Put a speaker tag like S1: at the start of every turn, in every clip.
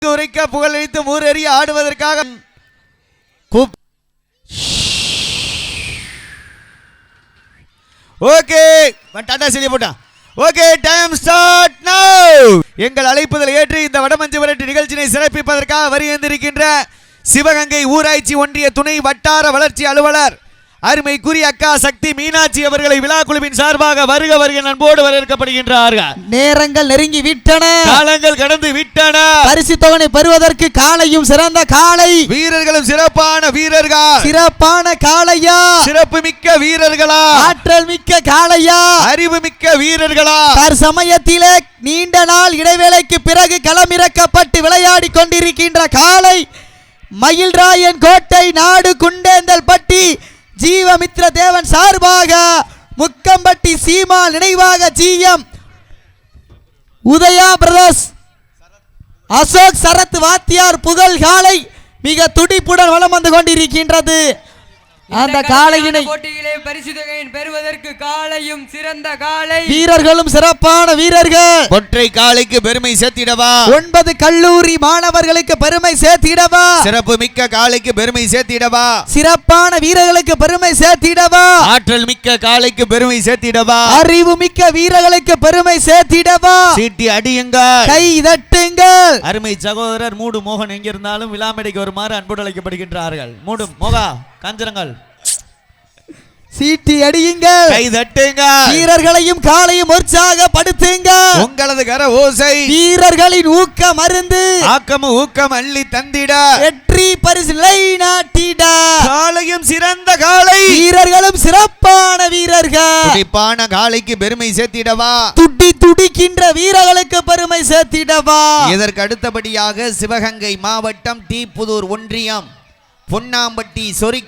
S1: உரைக்க புகழளித்து மூரறிய ஆடுவதற்காக ஓகே டாடா செய்தி போட்டான். ஓகே டைம் ஸ்டார்ட் நவ. எங்கள் அழைப்புதல் ஏற்று இந்த வடமஞ்சு விரட்டு நிகழ்ச்சியை சிறப்பிப்பதற்காக வருகின்ற சிவகங்கை ஊராட்சி ஒன்றிய துணை வட்டார வளர்ச்சி அலுவலர் அருமைக்குரிய அக்கா சக்தி மீனாட்சி அவர்களை விழா குழுவின் சார்பாக வருக வருக அன்போடு வரவேற்கப்படுகின்றார்கள்.
S2: நேரங்கள் நெருங்கி விட்டன,
S1: காலங்கள் கடந்து விட்டன.
S2: பரிசு தொகை பெறுவதற்கு காலையும் சிறந்த காலை,
S1: வீரர்களும் சிறப்பான வீரர்கள்,
S2: சிறப்பான காளையா,
S1: சிறப்பு மிக்க வீரர்களா,
S2: ஆற்றல் மிக்க காளையா,
S1: அறிவு மிக்க வீரர்களா,
S2: தற்சமயத்திலே நீண்ட நாள் இடைவேளைக்கு பிறகு களமிறக்கப்பட்டு விளையாடி கொண்டிருக்கின்ற காளை மயில்ராயன் கோட்டை நாடு குண்டேந்தல் பட்டி ஜீவமித்ர தேவன் சார்பாக முக்கம்பட்டி சீமா நினைவாக ஜிஎம் உதயா பிரதர்ஸ் அசோக் சரத் வாத்தியார் புகழ் காளை மிக துடிப்புடன் வலம் வந்து கொண்டிருக்கின்றது. அந்த காளையினை
S3: போட்டியிலே பரிசு தொகையை பெறுவதற்கு காளையும் சிறந்த காளை,
S2: வீரர்களும் சிறப்பான வீரர்கள்.
S1: ஒற்றை காளைக்கு பெருமை சேர்த்திடவா,
S2: 9 கல்லூரி மாணவர்களுக்கு பெருமை சேர்த்திடவா,
S1: சிறப்பு மிக்க காளைக்கு பெருமை சேர்த்திடவா,
S2: சிறப்பான வீரர்களுக்கு பெருமை சேர்த்திடவா,
S1: ஆற்றல் மிக்க காளைக்கு பெருமை சேர்த்திடவா,
S2: அறிவு மிக்க வீரர்களுக்கு பெருமை சேர்த்திடவா.
S1: சீட்டி அடியுங்கள்,
S2: கை தட்டுங்கள்.
S1: அருமை சகோதரர் மூடு மோகன் எங்கிருந்தாலும் விழாமேடைக்கு வருமாறு அன்போடு அழைக்கப்படுகின்றார்கள். மூடு மோகா காஞ்சரங்கள்,
S2: சீட்டி அடியுங்கள்,
S1: கை தட்டுங்க,
S2: வீரர்களையும் காளையும் உற்சாகப்படுத்துங்க.
S1: உங்களது கர ஓசை
S2: வீரர்களின் ஊக்க மருந்து,
S1: ஆக்கமும் ஊக்கம் அள்ளி தந்திட,
S2: வெற்றி பரிசு நாட்டிட.
S1: காளையும் சிறந்த காளை,
S2: வீரர்களும் சிறப்பான வீரர்கள்.
S1: துடிப்பான காளைக்கு பெருமை சேர்த்திடவா,
S2: துடிக்கின்ற வீரர்களுக்கு பெருமை சேர்த்திடவா.
S1: இதற்கு அடுத்தபடியாக சிவகங்கை மாவட்டம் தீப்புதூர் ஒன்றியம் பொன்னாம்பட்டி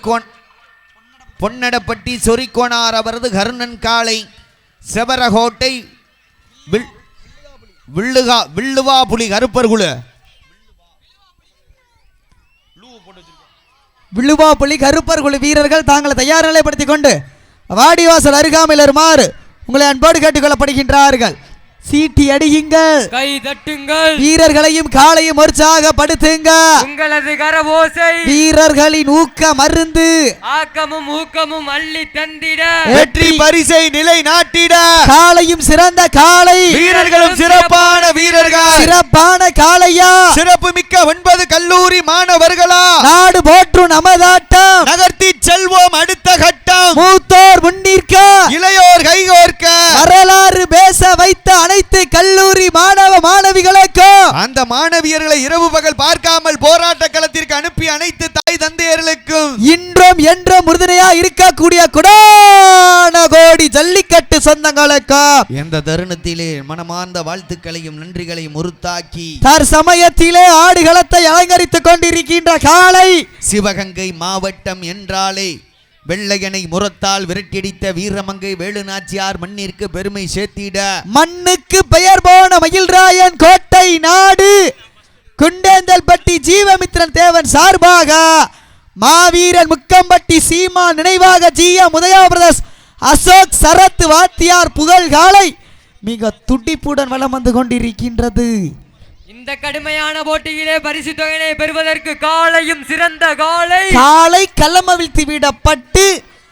S1: பொன்னடப்பட்டி சொரிக்கோனார் அவரது கருணன் காளை செவரகோட்டை வில்லுவாபுலி கருப்பர் குழு
S2: வில்லுவாபுலி கருப்பர் குழு வீரர்கள் தாங்களை தயார் நிலைப்படுத்திக் கொண்டு வாடிவாசல் அருகாமையில் வருமாறு உங்களை அன்போடு கேட்டுக்கொள்ளப்படுகின்றார்கள். சீட்டி அடியுங்கள்,
S3: கை தட்டுங்கள்,
S2: வீரர்களையும் காளையும் உற்சாகப்படுத்துங்க.
S3: உங்களது கரவோசை
S2: வீரர்களின் ஊக்க மருந்து,
S3: ஆக்கமும் ஊக்கமும் அள்ளி தந்திட,
S1: வெற்றி பரிசை நிலை நாட்டிட.
S2: காளையும் சிறந்த காளை,
S1: வீரர்களும் சிறப்பான வீரர்கள்,
S2: சிறப்பான காளையா,
S1: சிறப்பு மிக்க 9 கல்லூரி மாணவர்களா,
S2: நாடு போற்றும் நமதாட்டம்
S1: நகர்த்தி செல்வோம் அடுத்த கட்டம்.
S2: மூத்தோர் முன்னிற்க,
S1: இளையோர் கைகோர்க்க,
S2: வரலாறு பேச வைத்த அனைத்து கல்லூரி மாணவ மாணவிகளுக்கும்,
S1: அந்த மாணவியர்களை இரவு பகல் பார்க்காமல் போராட்ட களத்திற்கு அனுப்பி அனைத்து தாய் தந்தையர்களுக்கும்,
S2: இன்றும் என்றும் உறுதுணையா இருக்கக்கூடிய கொடான கோடி ஜல்லிக்கட்டு சொந்தங்களுக்கும்
S1: எந்த தருணத்திலே மனமார்ந்த வாழ்த்துக்களையும் நன்றிகளையும் உறுத்தாக்கி
S2: தற்சமயத்திலே ஆடுகளத்தை அலங்கரித்துக் கொண்டிருக்கின்ற காளை
S1: சிவகங்கை மாவட்டம் என்றாலே வெள்ளையனை முரத்தால் விரட்டியடித்த வீரமங்கை வேலுநாச்சியார் மண்ணிற்கு பெருமை சேர்த்திட,
S2: மண்ணுக்கு பெயர் போன மயில்ராயன் கோட்டை நாடு குண்டேந்தல் பட்டி ஜீவமித்ரன் தேவன் சார்பாக மாவீரன் முக்கம்பட்டி சீமா நினைவாக ஜிஎம் உதயா பிரதர்ஸ் அசோக் சரத் வாத்தியார் புகழ் காளை மிக துடிப்புடன் வலம் வந்து கொண்டிருக்கின்றது.
S3: இந்த கடுமையான போட்டியிலே பரிசு தொகையை பெறுவதற்கு காளையும் சிறந்த காளை,
S2: காளை களமவிழ்த்து விடப்பட்டு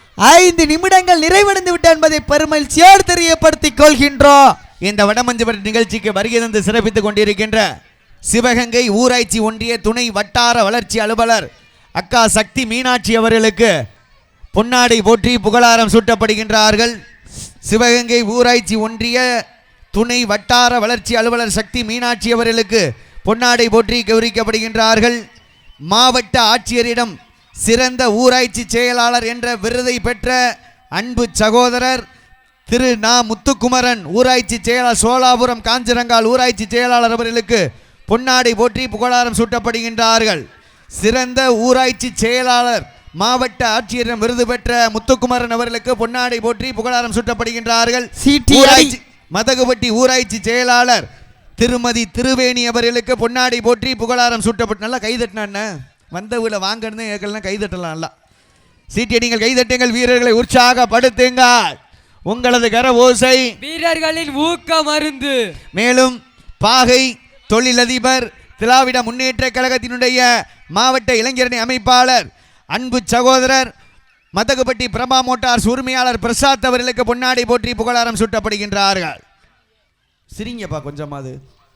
S2: 5 நிமிடங்கள் நிறைவடைந்து விட்ட என்பதை பெருமகிழ்ச்சியோடு தெரியப்படுத்திக் கொள்கின்றோம்.
S1: இந்த வடமஞ்சு விரட்டு நிகழ்ச்சிக்கு வருகை தந்து சிறப்பித்துக் கொண்டிருக்கின்ற சிவகங்கை ஊராட்சி ஒன்றிய துணை வட்டார வளர்ச்சி அலுவலர் அக்கா சக்தி மீனாட்சி அவர்களுக்கு பொன்னாடை போற்றி புகழாரம் சூட்டப்படுகின்றார்கள். சிவகங்கை ஊராட்சி ஒன்றிய துணை வட்டார வளர்ச்சி அலுவலர் சக்தி மீனாட்சி அவர்களுக்கு பொன்னாடை போற்றி கௌரவிக்கப்படுகின்றார்கள். மாவட்ட ஆட்சியரிடம் சிறந்த ஊராட்சி செயலாளர் என்ற விருதை பெற்ற அன்பு சகோதரர் திரு நா முத்துக்குமரன் ஊராட்சி செயலாளர் சோலாபுரம் காஞ்சிரங்கால் ஊராட்சி செயலாளர் அவர்களுக்கு பொன்னாடை போற்றி புகழாரம் சூட்டப்படுகின்றார்கள். சிறந்த ஊராட்சி செயலாளர் மாவட்ட ஆட்சியரிடம் விருது பெற்ற முத்துக்குமரன் அவர்களுக்கு பொன்னாடை போற்றி புகழாரம் சூட்டப்படுகின்றார்கள். மதகுபட்டி ஊராட்சி செயலாளர் திருமதி திருவேணி அவர்களுக்கு பொன்னாடை போற்றி புகழாரம் சூட்டப்பட்டு நல்லா கைதட்டினா வந்த வீட வாங்கன்னு கேட்கலாம் கைதட்டலாம் நல்லா சீட்டியடிங்கள் கைதட்டுங்கள் வீரர்களை உற்சாகப்படுத்துங்க உங்களது கர ஓசை
S3: வீரர்களின் ஊக்க மருந்து.
S1: மேலும் பாகை தொழிலதிபர் திராவிட முன்னேற்ற கழகத்தினுடைய மாவட்ட இளைஞரணி அமைப்பாளர் அன்பு சகோதரர் மதகுப்பட்டி பிரபா மோட்டார்ஸ் உரிமையாளர் பிரசாத் அவர்களுக்கு பொன்னாடை போற்றி புகழாரம் சூட்டப்படுகின்றார்கள். சிரிங்கப்பா கொஞ்சமாவது.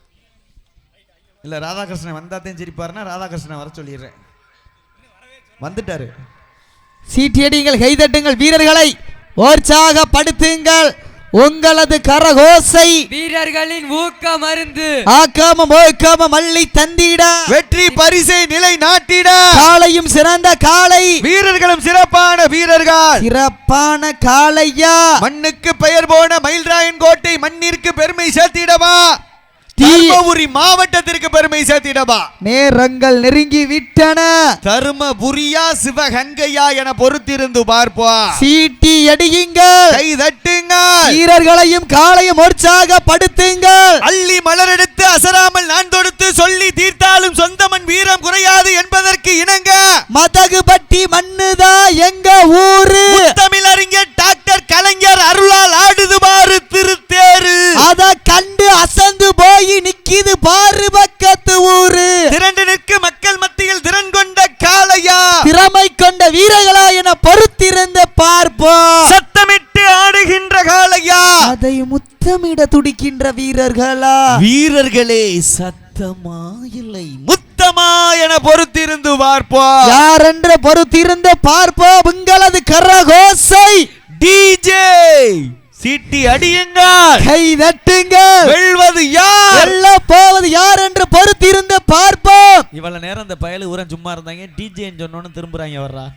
S1: இல்லை ராதாகிருஷ்ணன் வந்தாத்தையும் சிரிப்பாருன்னா ராதாகிருஷ்ணன் வர சொல்லிடுறேன். வந்துட்டாரு.
S2: சீட்டியடிங்கள், கைதட்டுங்கள், வீரர்களை உற்சாகப்படுத்துங்கள். உங்களது கரகோசை
S3: வீரர்களின் ஊக்க மருந்து
S2: ஆக்காம மோக்காம மல்லி தந்திட
S1: வெற்றி பரிசை நிலை நாட்டிட
S2: காளையும் சிறந்த காளை
S1: வீரர்களும் சிறப்பான வீரர்கள்
S2: சிறப்பான காளையா
S1: மண்ணுக்கு பெயர் போன மயில்ராயன் கோட்டை மண்ணிற்கு பெருமை சேர்த்திடவா தர்மபுரி மாவட்டத்திற்கு பெருமை சேர்த்திடவா
S2: நேரங்கள் நெருங்கி விட்டன.
S1: தருமபுரியா சிவகங்கையா என பொறுத்திருந்து பார்ப்போம்.
S2: சீட்டி அடியுங்கள்,
S1: கை தட்டுங்கள்,
S2: வீரர்களையும் காளையும் உற்சாகப்படுத்துங்கள்.
S1: அள்ளி மலரெடுத்து அசராமல் நான் தொடுத்து சொல்லி தீர்த்தாலும் சொந்தமன் வீரம் குறையாது என்பதற்கு இணங்க
S2: மதகுபட்டி மண்ணுதா எங்க ஊரு.
S1: தமிழறிஞர் டாக்டர் கலைஞர் அருளால் ஆடுது பாரு திருத்தேரு.
S2: அத கண்டு அசந்து போய் நிக்கிது பாரு பக்கத்து ஊரு.
S1: திரண்டு நிற்க மக்கள் மத்தியில் திறன் கொண்ட காளையா
S2: திறமை கொண்ட வீரர்களா என பொறுத்திருந்து பார்ப்போம்.
S1: சத்தமிட்டு ஆடுகின்ற காளையா
S2: அதை முத்தமிட துடிக்கின்ற வீரர்களா
S1: வீரர்களே சத்தமா இல்லை முத்தமா என பொறுத்திருந்து பார்ப்போம்.
S2: யாரென்று பொறுத்திருந்து பார்ப்போம். உங்களது கரகோசை
S1: டிஜே சீட்டி அடியுங்கள்,
S2: கை தட்டுங்கள்.
S1: வெல்வது யார்
S2: வெல்ல போவது யார் என்று பொறுத்திருந்து பார்ப்போம்.
S1: இவ்வளவு நேரம் இந்த பயலு ஊரன் சும்மா இருந்தாங்க. டிஜேன்னு சொன்னோன்னு திரும்புறாங்க. வர்றா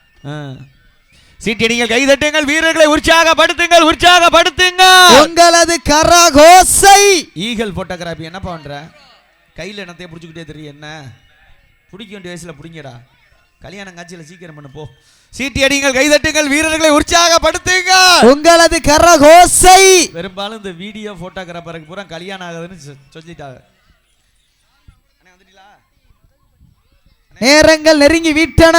S1: சீட்டி அடிங்கள், கை தட்டுங்கள், வீரர்களை உற்சாகப்படுத்துங்கள், உற்சாகப்படுத்துங்கள்.
S2: உங்களது கரகோசை
S1: ஈகல் போட்டோகிராபி என்ன பண்ற? கையில் என்னத்தையே பிடிச்சிக்கிட்டே தெரியும். என்ன பிடிக்க வேண்டிய வயசுல பிடிங்கடா. கல்யாணம் காட்சியில் சீக்கிரம் பண்ணு போ. சீட்டி அடிங்கள், கைதட்டுங்கள், வீரர்களை உற்சாகப்படுத்துங்க.
S2: உங்களது கரகோசை
S1: பெரும்பாலும் இந்த வீடியோ போட்டோகிராஃபருக்கு பூரா கல்யாணம் ஆகுதுன்னு சொல்லிட்டாங்க.
S2: நேரங்கள் நெருங்கி விட்டன.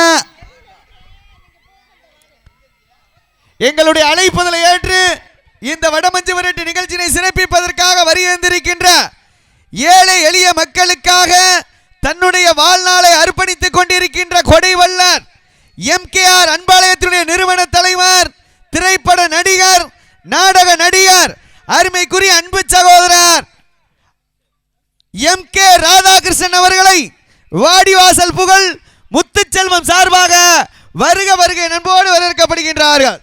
S1: எங்களுடைய அழைப்புதலை ஏற்று இந்த வடமஞ்சு விரட்டு நிகழ்ச்சியை சிறப்பிப்பதற்காக வருகின்றிருக்கின்ற ஏழை எளிய மக்களுக்காக தன்னுடைய வாழ்நாளை அர்ப்பணித்துக் கொண்டிருக்கின்ற கொடைவல்லர் எம்கேஆர் அன்பாலயத்தினுடைய நிறுவன தலைவர், திரைப்பட நடிகர், நாடக நடிகர், அருமைக்குரிய அன்பு சகோதரர் எம்.கே. ராதாகிருஷ்ணன் அவர்களை வாடிவாசல் புகழ் முத்துச்செல்வம் சார்பாக வருக வருக நண்போடு வரவேற்கப்படுகின்றார்கள்.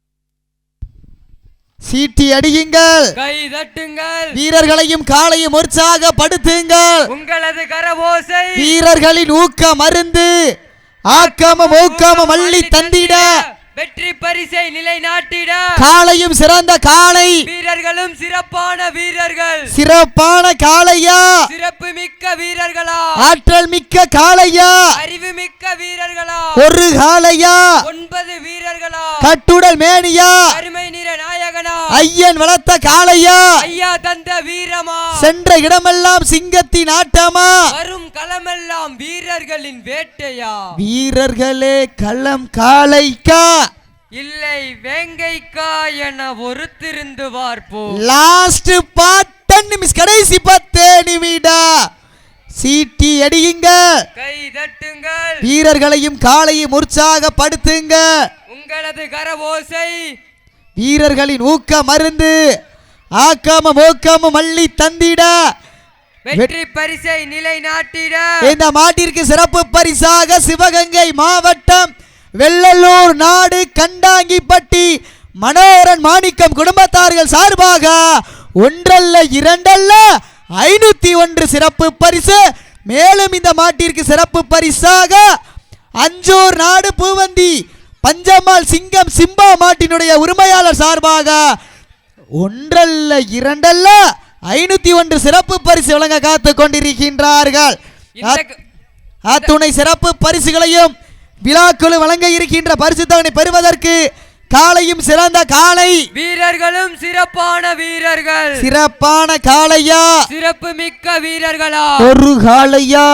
S2: சீட்டி அடியுங்கள்,
S3: கை தட்டுங்கள்,
S2: வீரர்களையும் காளையும் உற்சாகப்படுத்துங்கள்.
S3: உங்களது கரவோசை
S2: வீரர்களின் ஊக்க மருந்து ஆக்காம ஊக்காம மல்லி தந்திட
S3: வெற்றி பரிசை நிலைநாட்டிட
S2: காளையும் சிறந்த காளை
S3: வீரர்களும் சிறப்பான வீரர்கள்
S2: சிறப்பான காளையா
S3: சிறப்பு மிக்க வீரர்களா
S2: ஆற்றல் மிக்க காளையா
S3: அறிவு மிக்க வீரர்களா
S2: ஒரு காளையா
S3: 9 வீரர்களா
S2: கட்டுடல் மேனியா
S3: அருமை நிற நாயகனா
S2: ஐயன் வளர்த்த காளையா
S3: ஐயா தந்த வீரமா
S2: சென்ற இடமெல்லாம் சிங்கத்தின் ஆட்டமா
S3: வரும் களமெல்லாம் வீரர்களின் வேட்டையா
S2: வீரர்களே களம் காளைக்கா
S3: இல்லை வேங்கைக்கா என ஒருத்திருந்து பார்ப்போம்.
S2: லாஸ்ட் 10 நிமிஷம், கடைசி 10 நிமிடம். சீட்டி அடியுங்க,
S3: கை தட்டுங்கள்,
S2: வீரர்களையும் காளையும் உற்சாகப்படுத்துங்க.
S3: உங்களது கரவோசை
S2: வீரர்களின் ஊக்க மருந்து ஆக்காம மோக்காம மல்லி தந்திட
S3: வெற்றி பரிசை நிலைநாட்டிட
S2: இந்த மாட்டிற்கு சிறப்பு பரிசாக சிவகங்கை மாவட்டம் வெள்ளலூர் நாடு கண்டாங்கிப்பட்டி மனோரன் மாணிக்கம் குடும்பத்தார்கள் சார்பாக ஒன்றல்ல இரண்டல்ல 501 சிறப்பு பரிசு. மேலும் இந்த மாட்டிற்கு சிறப்பு பரிசாக அஞ்சூர் நாடு பூவந்தி பஞ்சம்மாள் சிங்கம் சிம்பா மாட்டினுடைய உரிமையாளர் சார்பாக ஒன்றல்ல இரண்டல்ல 501 சிறப்பு பரிசு வழங்க காத்து கொண்டிருக்கின்றார்கள். அத்துணை சிறப்பு பரிசுகளையும் விழாக்குழு வழங்க இருக்கின்ற பரிசு தொகையை பெறுவதற்கு காளையும் சிறந்த காளை
S3: வீரர்களும் சிறப்பான வீரர்கள்
S2: சிறப்பான காளையா
S3: சிறப்பு மிக்க வீரர்களா
S2: ஒரு காளையா
S3: 9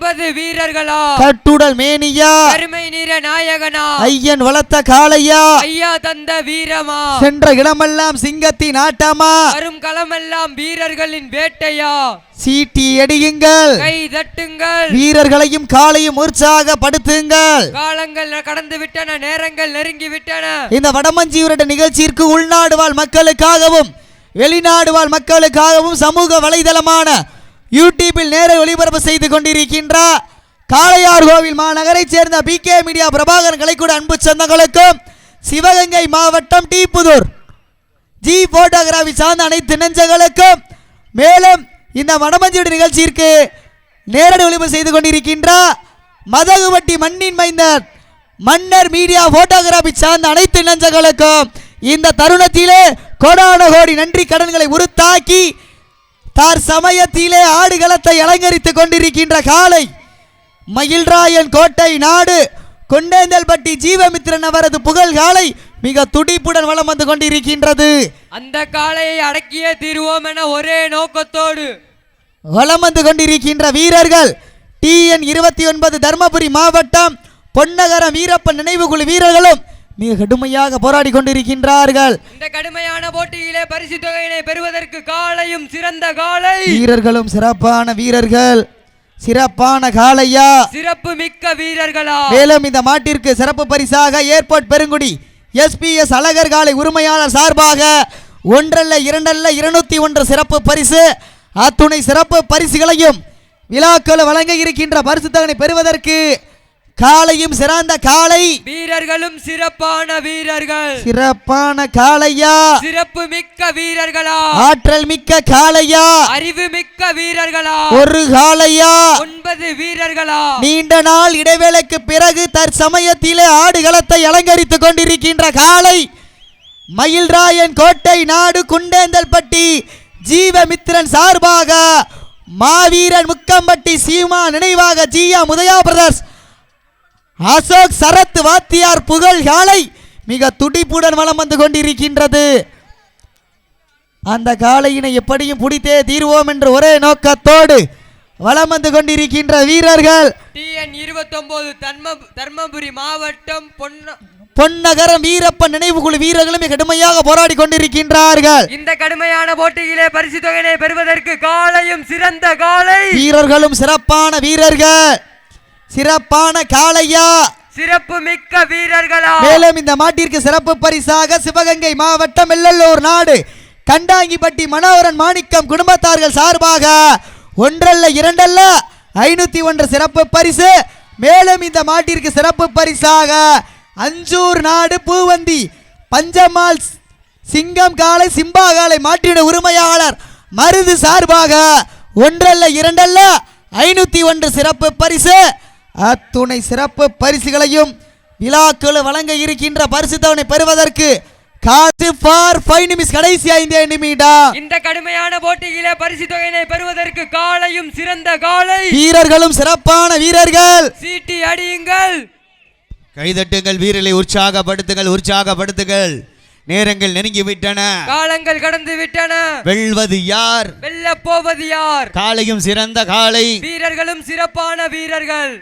S3: 9 வீரர்களா
S2: கட்டுடல் மேனியா
S3: கருமை நிற நாயகனா
S2: ஐயன் வளர்த்த காளையா
S3: ஐயா தந்த வீரமா
S2: சென்ற இடமெல்லாம் சிங்கத்தின் ஆட்டமா
S3: வரும் களமெல்லாம் வீரர்களின் வேட்டையா
S2: சீட்டி அடியுங்கள்
S3: கை தட்டுங்கள்
S2: வீரர்களையும் காளையும் உற்சாகப்படுத்துங்கள்
S3: காலங்கள் கடந்து விட்டன நேரங்கள் நெருங்கி விட்டன
S2: இந்த வடமஞ்சியூரட நிகழ்ச்சிக்கு உள்நாடு வாழ் மக்களுக்காகவும் வெளிநாடு வாழ் மக்களுக்காகவும் சமூக வலைதளமான யூடியூபில் நேர ஒளிபரப்பு செய்து கொண்டிருக்கின்ற காளையார் கோவில் மாநகரை சேர்ந்த பிகே மீடியா பிரபாகரன் கலைக்கூட அன்பு சொந்தங்களுக்கும் சிவகங்கை மாவட்டம் டீப்புதூர் ஜி போட்டோகிராஃபி சார்ந்த அனைத்து நெஞ்சங்களுக்கும் மேலும் இந்த வடமஞ்சியூர் நிகழ்ச்சிக்கு நேரடி ஒளிபரப்பு செய்து கொண்டிருக்கின்ற மதகுவட்டி மண்ணின் மைந்தர் மன்னர் மீடியா போட்டோகிராஃபி சார்ந்த அனைத்து நெஞ்சங்களுக்கும் இந்த தருணத்திலே கோடான கோடி நன்றி கடன்களை உருத்தாக்கி தார் சமயத்திலே ஆடுகளத்தை அலங்கரித்துக் கொண்டிருக்கின்ற காலை மயில்ராயன் கோட்டை நாடு கொண்டேந்தல்பட்டி ஜீவமித்ரன் அவரது புகழ் காலை மிக துடிப்புடன் வலம் வந்து கொண்டிருக்கின்றது.
S3: அந்த காளையை அடக்கியே தீருவோம் என ஒரே நோக்கத்தோடு
S2: வலம் வந்து கொண்டிருக்கின்ற வீரர்கள் TN 29 தர்மபுரி மாவட்டம் பொன்னகரம் வீரப்பன் நினைவு குழு வீரர்களும் மிக கடுமையாக போராடி கொண்டிருக்கின்றார்கள்.
S3: இந்த கடுமையான போட்டியிலே பரிசு தொகையினை பெறுவதற்கு காளையும் சிறந்த காளை
S2: வீரர்களும் சிறப்பான வீரர்கள் சிறப்பான காளையா
S3: சிறப்பு மிக்க வீரர்களா
S2: மேலும் இந்த மாட்டிற்கு சிறப்பு பரிசாக ஏர்போர்ட் பெருங்குடி SPS அழகர் காலை உரிமையாளர் சார்பாக ஒன்றல்ல இரண்டல்ல 201 சிறப்பு பரிசு அத்துணை சிறப்பு பரிசுகளையும் விழாக்கள் வழங்க இருக்கின்ற பரிசு தொகையை பெறுவதற்கு காளையும் சிறந்த காளை
S3: வீரர்களும் சிறப்பான வீரர்கள்
S2: சிறப்பான காளையா
S3: சிறப்பு மிக்க வீரர்களா
S2: ஆற்றல் மிக்க காளையா
S3: அறிவு மிக்க வீரர்களா
S2: ஒரு காளையா
S3: 9 வீரர்களா
S2: நீண்ட நாள் இடைவேளைக்கு பிறகு தற்சமயத்திலே ஆடுகளத்தை அலங்கரித்துக் கொண்டிருக்கின்ற காளை மயில்ராயன் கோட்டை நாடு குண்டேந்தல்பட்டி ஜீவமித்ரன் சார்பாக மாவீரன் முக்கம்பட்டி சீமா நினைவாக ஜியா முதயா பிரதர்ஸ் அசோக் சரத் வாத்தியார் புகழ் காலை மிக துடிப்புடன் வலம் வந்து கொண்டிருக்கின்றது. அந்த காளையினை எப்படியும் பிடித்தே தீர்வோம் என்று ஒரே நோக்கத்தோடு வலம் வந்து கொண்டிருக்கின்ற வீரர்கள்
S3: TN 29 தர்மபுரி மாவட்டம்
S2: பொன்னகரம் வீரப்பன் நினைவு குழு வீரர்களும் மிக கடுமையாக போராடி கொண்டிருக்கின்றார்கள்.
S3: இந்த கடுமையான போட்டியிலே பரிசு தொகையினை பெறுவதற்கு காளையும் சிறந்த காளை
S2: வீரர்களும் சிறப்பான வீரர்கள் சிறப்பான காளையா
S3: சிறப்பு மிக்க வீரர்களா
S2: மேலும் இந்த மாட்டிற்கு சிறப்பு பரிசாக சிவகங்கை மாவட்டம் வெள்ளலூர் நாடு கண்டாங்கிப்பட்டி மனோகரன் மாணிக்கம் குடும்பத்தார்கள் சார்பாக ஒன்றல்ல இரண்டல்ல 501 சிறப்பு பரிசு மேலும் இந்த மாட்டிற்கு சிறப்பு பரிசாக அஞ்சூர் நாடு பூவந்தி பஞ்சமால் சிங்கம் காலை சிம்பா காலை மாட்டிட உரிமையாளர் மருது சார்பாக ஒன்றல்ல இரண்டல்ல 501 சிறப்பு பரிசு அத்துணை சிறப்பு பரிசுகளையும் விழாக்கள் வழங்க இருக்கின்ற பரிசு தொகையை பெறுவதற்கு காசு ஃபார் 5 நிமிஷம் கடைசி 5 நிமிடம்.
S3: இந்த கடுமையான போட்டியிலே பரிசு தொகையினை பெறுவதற்கு காளையும் சிறந்த காளை
S2: வீரர்களும் சிறப்பான வீரர்கள்
S3: சீட்டி அடியுங்கள்
S1: கைதட்டுங்கள் வீரர்களை உற்சாகப்படுத்துங்கள் நேரங்கள் நெருங்கி விட்டன
S3: காலங்கள் கடந்து விட்டன
S1: வெல்வது யார்
S3: வெல்ல போவது யார்
S1: காளையும் சிறந்த காளை
S3: வீரர்களும் சிறப்பான வீரர்கள்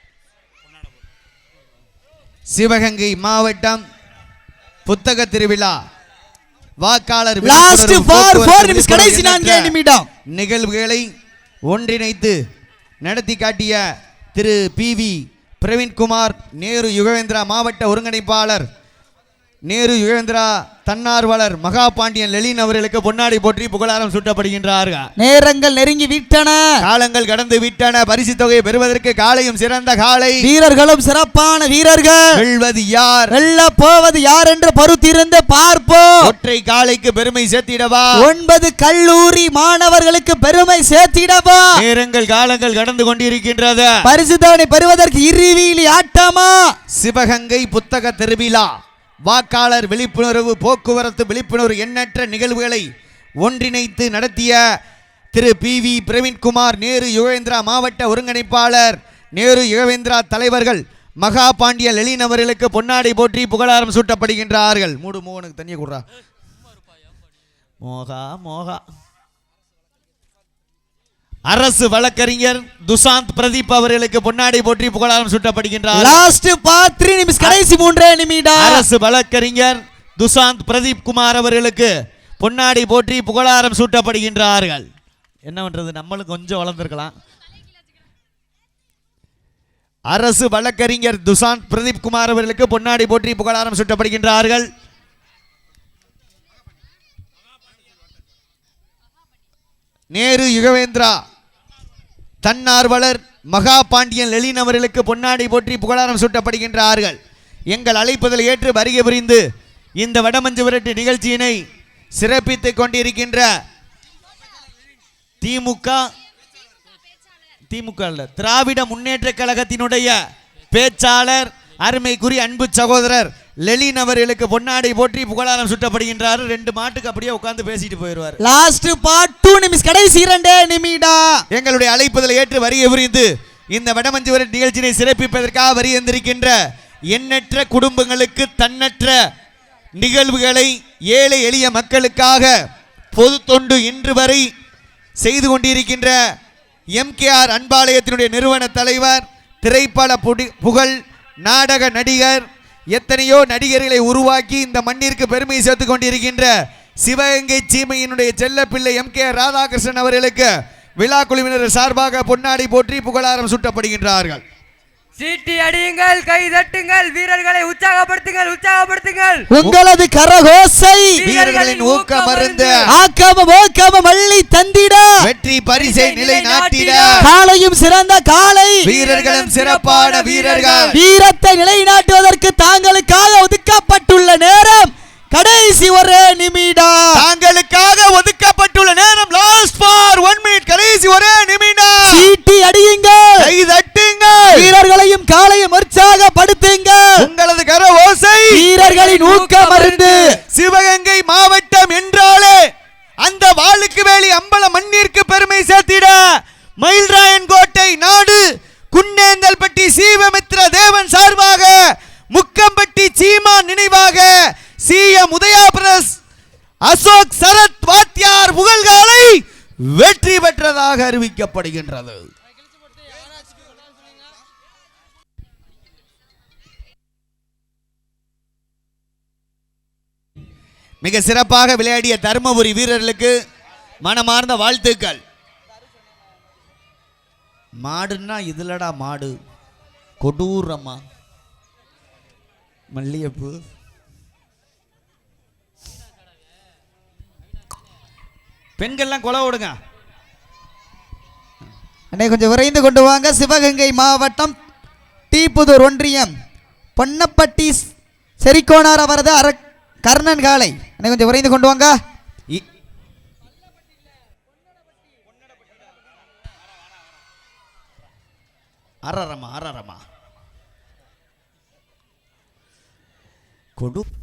S1: சிவகங்கை மாவட்டம் புத்தக திருவிழா வாக்காளர்
S2: லாஸ்ட் ஃபார் 4 நிமிஷம் கடைசி 4 நிமிடம்
S1: நிகழ்வுகளை ஒன்றிணைத்து நடத்தி காட்டிய திரு PV பிரவீன்குமார் நேரு யுகவேந்திரா மாவட்ட ஒருங்கிணைப்பாளர் நேரு யுகவேந்திரா தன்னார்வலர் மகாபாண்டியன் லெலின் அவர்களுக்கு பொன்னாடி போற்றி புகழாரம் சூட்டப்படுகின்றார்கள்.
S2: நேரங்கள் நெருங்கி விட்டன
S1: காலங்கள் கடந்து விட்டன பரிசு தொகையை பெறுவதற்கு காளையும் சிறந்த காளை
S2: வீரர்களும் சிறப்பான வீரர்கள்
S1: வெல்வது யார்
S2: வெல்ல போவது யார் என்று பொறுத்திருந்து பார்ப்போம்.
S1: ஒற்றை காளைக்கு பெருமை சேர்த்திடவா
S2: 9 கல்லூரி மாணவர்களுக்கு பெருமை சேர்த்திடவா
S1: நேரங்கள் காலங்கள் கடந்து கொண்டிருக்கின்றது
S2: பரிசு தொகை பெறுவதற்கு இருவீலி ஆட்டமா
S1: சிவகங்கை புத்தக திருவிழா வாக்காளர் விழிப்புணர்வு போக்குவரத்து விழிப்புணர்வு எண்ணற்ற நிகழ்வுகளை ஒன்றிணைத்து நடத்திய திரு PV பிரவீன்குமார் நேரு யுகவேந்திரா மாவட்ட ஒருங்கிணைப்பாளர் நேரு யுகவேந்திரா தலைவர்கள் மகாபாண்டிய லெலின் அவர்களுக்கு பொன்னாடை போற்றி புகழாரம் சூட்டப்படுகின்றார்கள். மூடு மோகனுக்கு தனியாக கொடுறா மோகா அரசு வழக்கறிஞர் துசாந்த் பிரதீப் அவர்களுக்கு பொன்னாடை போற்றி புகழாரம் சூட்டப்படுகின்றார்.
S2: லாஸ்ட் பார்ட் 3 நிமிஷம், கடைசி 3 நிமிடம்.
S1: அரசு வழக்கறிஞர் துசாந்த் பிரதீப் குமார் அவர்களுக்கு பொன்னாடை போற்றி புகழாரம் சூட்டப்படுகின்றார்கள். என்ன பண்றது, நம்மளும் கொஞ்சம் வளர்ந்துருக்கலாம். அரசு வழக்கறிஞர் துசாந்த் பிரதீப் குமார் அவர்களுக்கு பொன்னாடை போற்றி புகழாரம் சூட்டப்படுகின்றார்கள். நேரு யுகவேந்திரா தன்னார்வலர் மகா பாண்டியன் லெலின் அவர்களுக்கு பொன்னாடை போற்றி புகழாரம் சூட்டப்படுகின்றார்கள். எங்கள் அழைப்புதல் ஏற்று வருகை புரிந்து இந்த வடமஞ்சு விரட்டு நிகழ்ச்சியினை சிறப்பித்துக் கொண்டிருக்கின்ற திராவிட முன்னேற்ற கழகத்தினுடைய பேச்சாளர் அருமைக்குரிய அன்பு சகோதரர் லெலின் அவர்களுக்கு பொன்னாடை போற்றி புகழாரம் சுட்டப்படுகின்றார். 2 மாட்டுக்கு அப்படியே உட்கார்ந்து பேசிட்டு போயிடுவார்.
S2: லாஸ்ட் பார்ட் 2 நிமிஷம், கடைசி 2 நிமிடம்.
S1: எங்களுடைய அழைப்புதல் ஏற்று வருகை புரிந்து இந்த வடமஞ்சு விரட்டு நிகழ்ச்சியை சிறப்பிப்பதற்காக வருகின்றிருக்கின்ற எண்ணற்ற குடும்பங்களுக்கு தன்னற்ற நிகழ்வுகளை ஏழை எளிய மக்களுக்காக பொது தொண்டு இன்று வரை செய்து கொண்டிருக்கின்ற எம்கேஆர் அன்பாலயத்தினுடைய நிறுவன தலைவர், திரைப்பட புகழ் நாடக நடிகர், எத்தனையோ நடிகர்களை உருவாக்கி இந்த மண்ணிற்கு பெருமை சேர்த்துக் கொண்டிருக்கின்ற சிவகங்கை சீமையினுடைய செல்ல பிள்ளை எம்கேஆர் ராதாகிருஷ்ணன் அவர்களுக்கு விழா குழுவினர் சார்பாக பொன்னாடை போற்றி புகழாரம் சூட்டப்படுகின்றார்கள்.
S3: சீட்டி அடியுங்கள், கை தட்டுங்கள், வீரர்களை உற்சாகப்படுத்துங்கள்.
S2: உங்களது கரகோசை
S1: வீரர்களின் ஊக்க மருந்து
S2: ஆக்கம மள்ளி தந்திட
S1: வெற்றி பரிசை நிலை நாட்டிட
S2: காலையும் சிறந்த காலை
S1: வீரர்களும் சிறப்பான வீரர்கள்
S2: வீரத்தை நிலைநாட்டுவதற்கு தாங்களுக்காக ஒதுக்கப்பட்டுள்ள நேரம் கடைசி 1 நிமிடம்.
S1: தாங்களுக்காக ஒதுக்கப்பட்டுள்ள நேரம் லாஸ்ட் ஃபார் 1 மினிட், கடைசி 1 நிமிடம்.
S2: சீட்டி அடியுங்கள்,
S1: கை தட்டுங்கள்,
S2: வீரர்களையும் காலையும் உற்சாகப்படுத்துங்கள்.
S1: உங்களது கர ஓசை
S2: வீரர்களின் ஊக்க மருந்து.
S1: சிவகங்கை மாவட்டம் என்றாலே அந்த வாளுக்கு வேலி அம்பல மண்ணிற்கு பெருமை சேர்த்திட மயில்ராயன் கோட்டை நாடு குன்னேந்தல்பட்டி சீவமித்ர தேவன் சார்பாக முக்கம்பட்டி சீமா நினைவாக சிஎம் உதயா பிரஸ் அசோக் சரத் வாத்தியார் புகழ்காலை வெற்றி பெற்றதாக அறிவிக்கப்படுகின்றது. மிக சிறப்பாக விளையாடிய தருமபுரி வீரர்களுக்கு மனமார்ந்த வாழ்த்துக்கள். மாடுன்னா இதுலடா மாடு, கொடூரமா மல்லிகைப்பூ. பெண்கள்லாம் கொலை விடுங்க
S2: அண்ணே, கொஞ்சம் விரைந்து கொண்டு வாங்க. சிவகங்கை மாவட்டம் டீப்புதூர் ஒன்றியம் பொன்னப்பட்டி செரிக்கோனார் அவரது கர்ணன் காலை. அண்ணே, கொஞ்சம் விரைந்து கொண்டு வாங்க.
S1: அரரமா கொடு